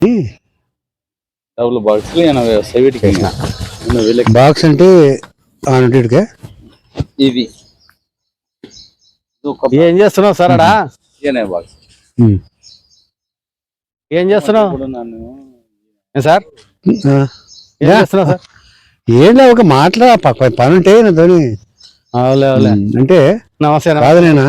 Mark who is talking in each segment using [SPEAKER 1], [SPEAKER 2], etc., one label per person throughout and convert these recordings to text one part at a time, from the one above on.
[SPEAKER 1] Double
[SPEAKER 2] box అంటే ఆనటికే
[SPEAKER 1] ఇది
[SPEAKER 3] ఏం చేస్తున్నావు సార్ అడా
[SPEAKER 1] బాక్స్
[SPEAKER 3] ఏం చేస్తున్నావు సార్ ఏం చేస్తున్నావు సార్
[SPEAKER 2] ఏం లేదు ఒక మాట్లా పని ఉంటే నాతోని
[SPEAKER 3] అవులే అవులే
[SPEAKER 2] అంటే
[SPEAKER 3] నమస్తే
[SPEAKER 2] కాదు నేనా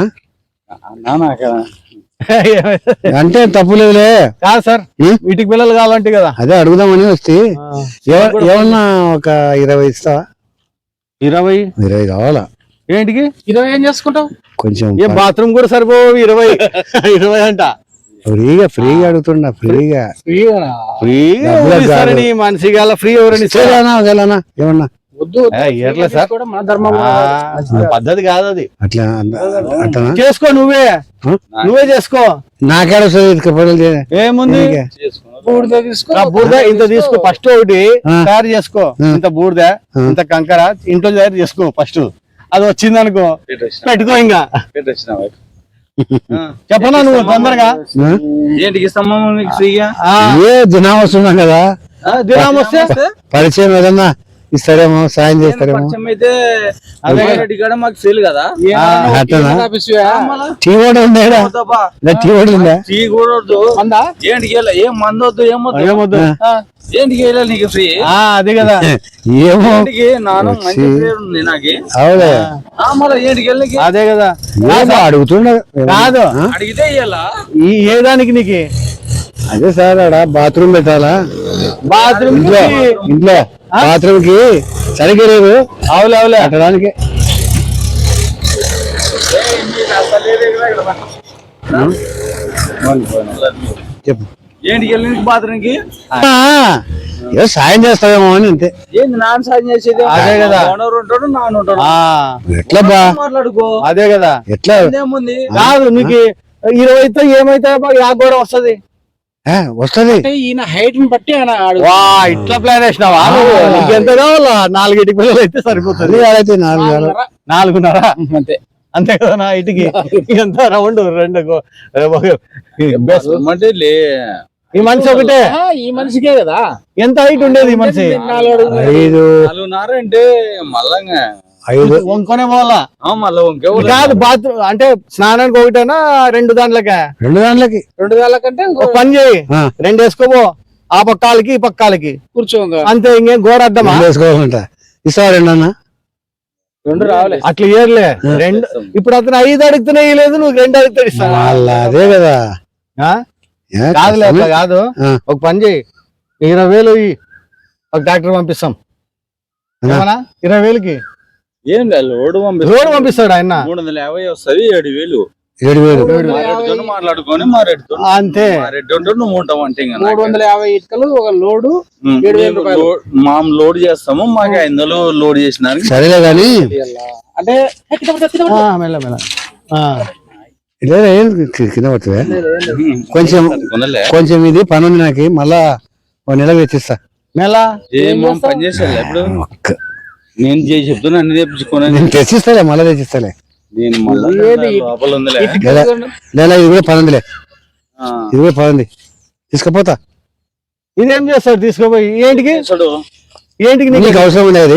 [SPEAKER 2] అంటే తప్పు లేదులే
[SPEAKER 3] కాదు సార్ వీటికి పిల్లలు కావాలంటే కదా
[SPEAKER 2] అదే అడుగుదామని వస్తే ఏమన్నా ఒక 20 ఇస్తావా
[SPEAKER 3] 20
[SPEAKER 2] కావాలా
[SPEAKER 3] ఏంటికి 20 ఏం చేసుకుంటావు
[SPEAKER 2] కొంచెం
[SPEAKER 3] ఏ బాత్రూమ్ కూడా సరిపోవు 20 అంట
[SPEAKER 2] ఫ్రీగా అడుగుతున్నా ఫ్రీగా
[SPEAKER 3] మనిషి గల ఫ్రీ ఎవరని
[SPEAKER 2] ఏమన్నా
[SPEAKER 3] ఎట్లా సార్ పద్ధతి కాదు అది
[SPEAKER 2] అట్లా అట్లా
[SPEAKER 3] చేసుకో నువ్వే చేసుకో
[SPEAKER 2] నాకేడ
[SPEAKER 3] ఏముంది బూడిద ఇంత తీసుకో ఫస్ట్ ఒకటి తయారు చేసుకో ఇంత బూడిద ఇంత కంకర ఇంట్లో తయారు చేసుకో ఫస్ట్ అది వచ్చింది అనుకో పెట్టుకో ఇంకా చెప్పనా నువ్వు తొందరగా
[SPEAKER 1] ఏంటికి ఇస్తామా ఫ్రీగా
[SPEAKER 2] దినం వస్తున్నాం కదా
[SPEAKER 3] దినం వస్తే
[SPEAKER 2] పరిచయం ఏదన్నా ఇస్తారేమో సాయం చేస్తారేమో
[SPEAKER 1] అయితే మాకు సేల్ కదా
[SPEAKER 2] టీ కూడా ఉందా టీ కూడా ఉందా
[SPEAKER 1] టీ కూడా ఏంటికి ఏం మందు వద్దు ఏమొద్దు ఏంటికి నీకు ఫ్రీ
[SPEAKER 3] అదే కదా
[SPEAKER 2] ఏమో
[SPEAKER 1] నాను మంచి ఉంది నాకు
[SPEAKER 2] అవులే
[SPEAKER 1] మళ్ళీ ఏంటికి
[SPEAKER 3] అదే కదా
[SPEAKER 2] అడుగుతున్నా
[SPEAKER 3] కాదు
[SPEAKER 1] అడిగితే ఇయ్యాలా
[SPEAKER 3] ఏ దానికి నీకు
[SPEAKER 2] అదే సార్ ఆడ బాత్రూమ్ పెట్టాలా
[SPEAKER 3] బాత్రూమ్
[SPEAKER 2] ఇంట్లో బాత్రూమ్ కి సరిగ్గా లేదు
[SPEAKER 3] అవులే అవులే
[SPEAKER 2] అట్టడానికి చెప్పు
[SPEAKER 1] ఏంటికి బాత్రూమ్ కి
[SPEAKER 2] ఏదో సాయం చేస్తావేమో అని అంతే
[SPEAKER 1] ఏంది నాన్న సాయం చేసేది
[SPEAKER 3] అదే కదా
[SPEAKER 1] ఉంటాడు నాన్న ఉంటాడు
[SPEAKER 2] ఎట్లా బా
[SPEAKER 1] మాట్లాడుకో
[SPEAKER 3] అదే కదా
[SPEAKER 1] ఎట్లా ఏముంది
[SPEAKER 3] కాదు నీకు 20 ఏమైతే కూడా వస్తది
[SPEAKER 2] వస్తది
[SPEAKER 1] ఈయన హైట్ ని బట్టి
[SPEAKER 3] ఇట్లా ప్లాన్ వేసినావా ఎంత కావాలా 4 ఇటుక పిల్లలు అయితే సరిపోతుంది
[SPEAKER 2] అయితే
[SPEAKER 3] 4.5 అంతే అంతే కదా నా ఇటుకి ఎంత రౌండ్ 2 ఈ మనిషి ఒకటే
[SPEAKER 1] ఈ మనిషికే కదా
[SPEAKER 3] ఎంత హైట్ ఉండేది ఈ మనిషి
[SPEAKER 1] 4.5 అంటే మళ్ళంగా
[SPEAKER 2] 5
[SPEAKER 3] వంకొనే పోవాలా
[SPEAKER 1] మళ్ళీ
[SPEAKER 3] కాదు బాత్రూమ్ అంటే స్నానానికి ఒకటేనా 2 దాంట్లకి
[SPEAKER 2] 2 దాంట్లకి
[SPEAKER 1] 2 దాంట్లకంటే
[SPEAKER 3] పని చేయి 2 వేసుకోపో ఆ పక్కాలకి ఈ పక్కాలకి
[SPEAKER 1] కూర్చోంగా
[SPEAKER 3] అంతే ఇంకేం గోడ అద్దమా
[SPEAKER 2] వేసుకోవాలంట ఇస్తావా 2 అన్న
[SPEAKER 1] 2 రావాలి
[SPEAKER 3] అట్లా ఇయర్లే 2 ఇప్పుడు అతను 5 అడుగుతున్నా లేదు నువ్వు 2 అడుగుతాడు ఇస్తావా
[SPEAKER 2] అదే కదా
[SPEAKER 3] కాదులే అట్లా కాదు ఒక పని చేయి 20,000 ఒక ట్రాక్టర్ పంపిస్తాం 20,000కి
[SPEAKER 1] ఏం లేదు
[SPEAKER 3] లోడ్ పంపిస్తాడు ఆయన
[SPEAKER 1] 350 వస్తుంది
[SPEAKER 2] 7,000
[SPEAKER 1] మాట్లాడుకొని మా రెడ్డితో
[SPEAKER 3] అంతే
[SPEAKER 1] నువ్వు ఉంటావు అంటే
[SPEAKER 3] 350 ఇటుకలు ఒక లోడు 7,000 రూపాయలు
[SPEAKER 1] లోడ్ చేస్తాము మాకు 500 లోడ్ చేసినారు
[SPEAKER 2] సరేలే కానీ
[SPEAKER 3] అంటే మెల్ల మెల్ల
[SPEAKER 2] కింద పడుతుంది కొంచెం ఇది పని ఉంది నాకు మళ్ళా 1 నెల తెచ్చిస్తా
[SPEAKER 3] నెల
[SPEAKER 1] పని చేస్తా ఇప్పుడు నేను చెప్తున్నా అన్ని తెప్పించుకున్నా
[SPEAKER 2] నేను తెచ్చిస్తాలే మళ్ళీ తెచ్చిస్తాలే
[SPEAKER 1] నేను లోపల ఉందిలే
[SPEAKER 2] ఇది కూడా పని ఉందిలే ఇది కూడా పని ఉంది తీసుకుపోతా
[SPEAKER 3] ఇదేం చేస్తాడు తీసుకోపోయి ఏంటికి
[SPEAKER 2] నీకు అవసరం ఉండేది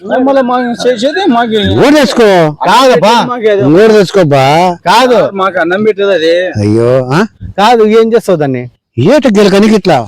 [SPEAKER 2] తెచ్చుకో
[SPEAKER 3] కాదబ్బా
[SPEAKER 2] తెచ్చుకోబ్బా
[SPEAKER 3] కాదు
[SPEAKER 1] మాకు అన్నం పెట్టేది అదే
[SPEAKER 2] అయ్యో
[SPEAKER 3] కాదు ఏం చేస్తావు దాన్ని
[SPEAKER 2] ఏట గెలకనికి ఇట్లా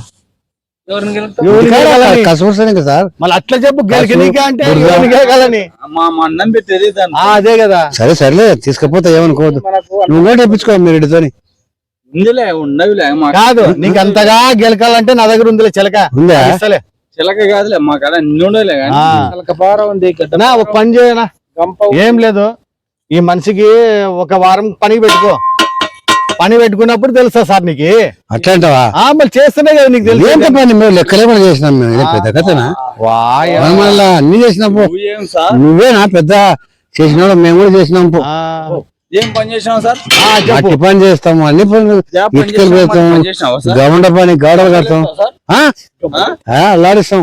[SPEAKER 2] కసపడుతుంది కదా సార్
[SPEAKER 3] మళ్ళీ అట్లా చెప్పు గెలకనికా అంటే
[SPEAKER 1] మా అన్నం పెట్టేది
[SPEAKER 3] అదే కదా
[SPEAKER 2] సరేలే తీసుకపోతా ఏమనుకోవద్దు నువ్వు కూడా తెప్పించుకో మీ రెడ్డితోని
[SPEAKER 1] ఉందిలే ఉండవిలే
[SPEAKER 3] కాదు నీకు అంతగా గెలకాలంటే నా దగ్గర ఉందిలే చిలక
[SPEAKER 2] ఉందా
[SPEAKER 1] చిలక కాదులే మా కాడ అన్ని ఉండలే
[SPEAKER 3] ఒక పని చేయనా ఏం లేదు ఈ మనిషికి ఒక వారం పనికి పెట్టుకో పని పెట్టుకున్నప్పుడు తెలుసా సార్ నీకు
[SPEAKER 2] అట్లా అంటావా
[SPEAKER 3] మళ్ళీ చేస్తేనే కదా నీకు తెలుసు
[SPEAKER 2] ఎంత పని మేము లెక్కలే కూడా చేసినాం మేము పెద్ద కథనా మళ్ళీ అన్ని చేసినప్పుడు నువ్వేనా పెద్ద చేసినాడు మేము కూడా చేసినాం
[SPEAKER 1] ఏం పని చేసినావు సార్
[SPEAKER 2] అట్టి పని చేస్తాము అన్ని పనులు ఇటుకలు పెడతాము గవండ పని గోడలు కడతాం అల్లాడిస్తాం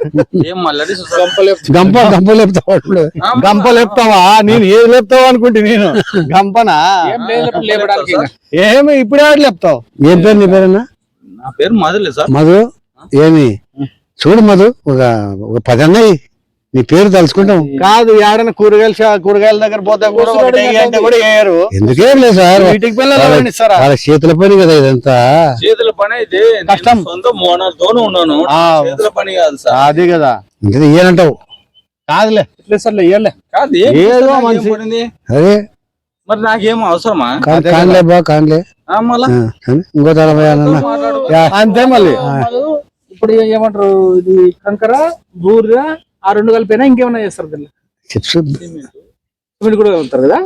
[SPEAKER 2] గంప లేపుతావు
[SPEAKER 3] గంప లేపుతావా నేను ఏది లేపుతావు అనుకుంటే నేను గంపనా ఏమి ఇప్పుడే లేపుతావు
[SPEAKER 2] ఏం పేరు నీ పేరన్నా
[SPEAKER 1] నా పేరు మధులే సార్.
[SPEAKER 2] మధు ఏమి చూడు మధు ఒక 10 అన్నయ్యి నీ పేరు తలుచుకుంటాం.
[SPEAKER 3] కాదు ఏడైనా కూరగాయల దగ్గర పోతే కూడా ఒకటి వెయ్యి అంటే కూడా వేయరు.
[SPEAKER 2] ఎందుకేం లేదు సార్,
[SPEAKER 3] వీటికి పిల్లలు ఇస్తారా?
[SPEAKER 2] వాళ్ళ చేతుల పని కదా ఇదంతా.
[SPEAKER 1] చేతుల పని అయితే
[SPEAKER 3] కష్టం.
[SPEAKER 1] సొంత మోనతోనే ఉన్నాను, చేతుల పని కాదు సార్.
[SPEAKER 3] అది కదా
[SPEAKER 2] అంటే ఇయ్యనంటావు.
[SPEAKER 3] కాదులే సార్లే ఇయ్యలే
[SPEAKER 1] కాదు
[SPEAKER 3] ఏదో
[SPEAKER 1] ఏం
[SPEAKER 3] మంచి
[SPEAKER 1] పడింది
[SPEAKER 2] అరే
[SPEAKER 1] మరి నాకేం అవసరమా?
[SPEAKER 2] కానిలే బా కానిలే.
[SPEAKER 1] మళ్ళా
[SPEAKER 2] ఇంకో తల
[SPEAKER 3] అంతే మళ్ళీ.
[SPEAKER 4] ఇప్పుడు ఏమంటారు, ఇది కంకర బూర ఆ 2 కలిపినా ఇంకేమైనా చేస్తారు దీన్ని?
[SPEAKER 2] చిప్స్
[SPEAKER 4] సిమెంట్ కూడా ఉంటారు కదా.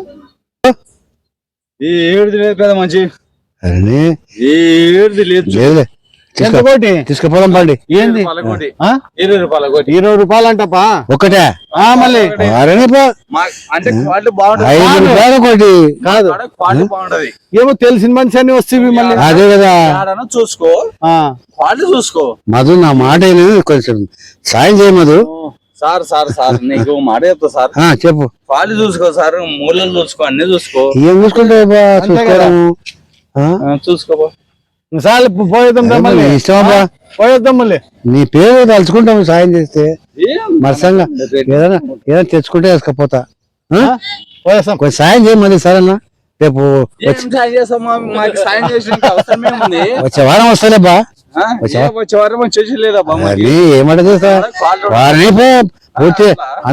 [SPEAKER 1] ఈ ఏడుది లేదు కదా మంచి,
[SPEAKER 2] అరే
[SPEAKER 1] ఈ ఏడుది లేదు.
[SPEAKER 2] లేదులే
[SPEAKER 3] ఎంత కోటి
[SPEAKER 2] తీసుకుపోదాం పండి.
[SPEAKER 3] ఏంది
[SPEAKER 1] 20 రూపాయల కోటి.
[SPEAKER 3] 20 రూపాయలు అంటపా
[SPEAKER 2] ఒకటే
[SPEAKER 3] మళ్ళీ
[SPEAKER 2] అరే
[SPEAKER 1] అంటే క్వాలిటీ బాగుంటది.
[SPEAKER 2] 5 రూపాయలు ఒకటి
[SPEAKER 3] కాదు,
[SPEAKER 1] క్వాలిటీ బాగుంటది.
[SPEAKER 3] ఏమో తెలిసిన మనిషి అని వస్తేవి మళ్ళీ.
[SPEAKER 2] అదే కదా
[SPEAKER 1] ఏడన్నా చూసుకో, క్వాలిటీ చూసుకో.
[SPEAKER 2] మధు నా మాట కొంచెం సాయం చేయ మధు.
[SPEAKER 1] సార్ సార్ సార్ నీకు మాట చెప్తా సార్.
[SPEAKER 2] చెప్పు.
[SPEAKER 1] క్వాలిటీ చూసుకో సార్, మూలలు చూసుకో, అన్ని చూసుకో.
[SPEAKER 2] ఏం చూసుకుంటావు బా, చూసుకోవడము
[SPEAKER 1] చూసుకో.
[SPEAKER 3] సార్లు పోయేద్దాం మళ్ళీ,
[SPEAKER 2] ఇష్టమా
[SPEAKER 3] పోయేద్దాం మళ్ళీ.
[SPEAKER 2] నీ పేరు తలుచుకుంటాము సాయం చేస్తే. మరసంగా ఏదైనా తెచ్చుకుంటే వేసుకపోతా.
[SPEAKER 3] పోయేస్తాం.
[SPEAKER 2] కొంచెం సాయం చేయ మళ్ళీ సరేనా? రేపు
[SPEAKER 1] ఏం సాయం చేస్తామా? మాకు సాయం చేసిన అవసరం ఏముంది?
[SPEAKER 2] వచ్చే వారం వస్తాలే బా.
[SPEAKER 1] వచ్చే వారం చేసేలేదా?
[SPEAKER 2] ఏమంట చేస్తా వారిని పూర్తి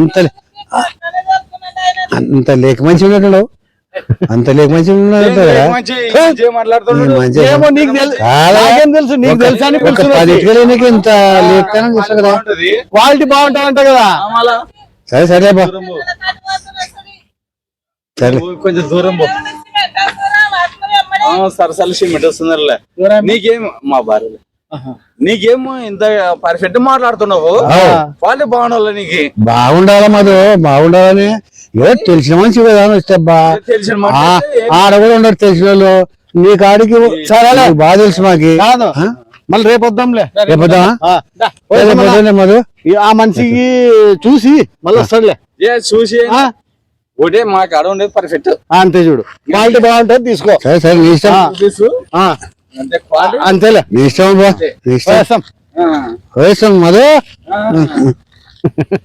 [SPEAKER 2] అంత లేక మంచి ఉన్నట్టు, అంత లేక మంచి
[SPEAKER 3] ఏమో నీకు తెలుసు, నీకు తెలుసా అని
[SPEAKER 2] ఇంత లేఖనం చేస్తా కదా.
[SPEAKER 3] క్వాలిటీ బాగుంటాయంట కదా.
[SPEAKER 2] సరే సరే బా సరే.
[SPEAKER 1] కొంచెం దూరం పో. సరసాలు సిమెంట్ వస్తుందిలే. నీకేం మా భార్య, నీకేమో ఇంత పర్ఫెక్ట్ మాట్లాడుతున్నావు. క్వాలిటీ బాగుండాలి, నీకు
[SPEAKER 2] బాగుండాలా మధు, బాగుండాలని. ఏదో తెలిసిన మనిషి కదా వస్తే బా.
[SPEAKER 1] తెలిసిన
[SPEAKER 2] ఆడ కూడా ఉండరు తెలిసిన వాళ్ళు. నీ కాడికి సరే బాగా తెలుసు మాకి.
[SPEAKER 3] కాదు మళ్ళీ రేపు వద్దాంలే.
[SPEAKER 2] రేపు వద్దామా మధు?
[SPEAKER 3] ఆ మనిషికి చూసి మళ్ళీ వస్తాడులే.
[SPEAKER 1] చూసి ఒకటే మా కాడ ఉండేది పర్ఫెక్ట్.
[SPEAKER 3] అంతే చూడు, క్వాలిటీ బాగుంటుంది తీసుకో.
[SPEAKER 2] సరే సరే నీ ఇష్టం.
[SPEAKER 3] అంతేలే
[SPEAKER 2] నీ ఇష్టం బా, నీ ఇష్టం.
[SPEAKER 3] వేస్తాం
[SPEAKER 2] మధు.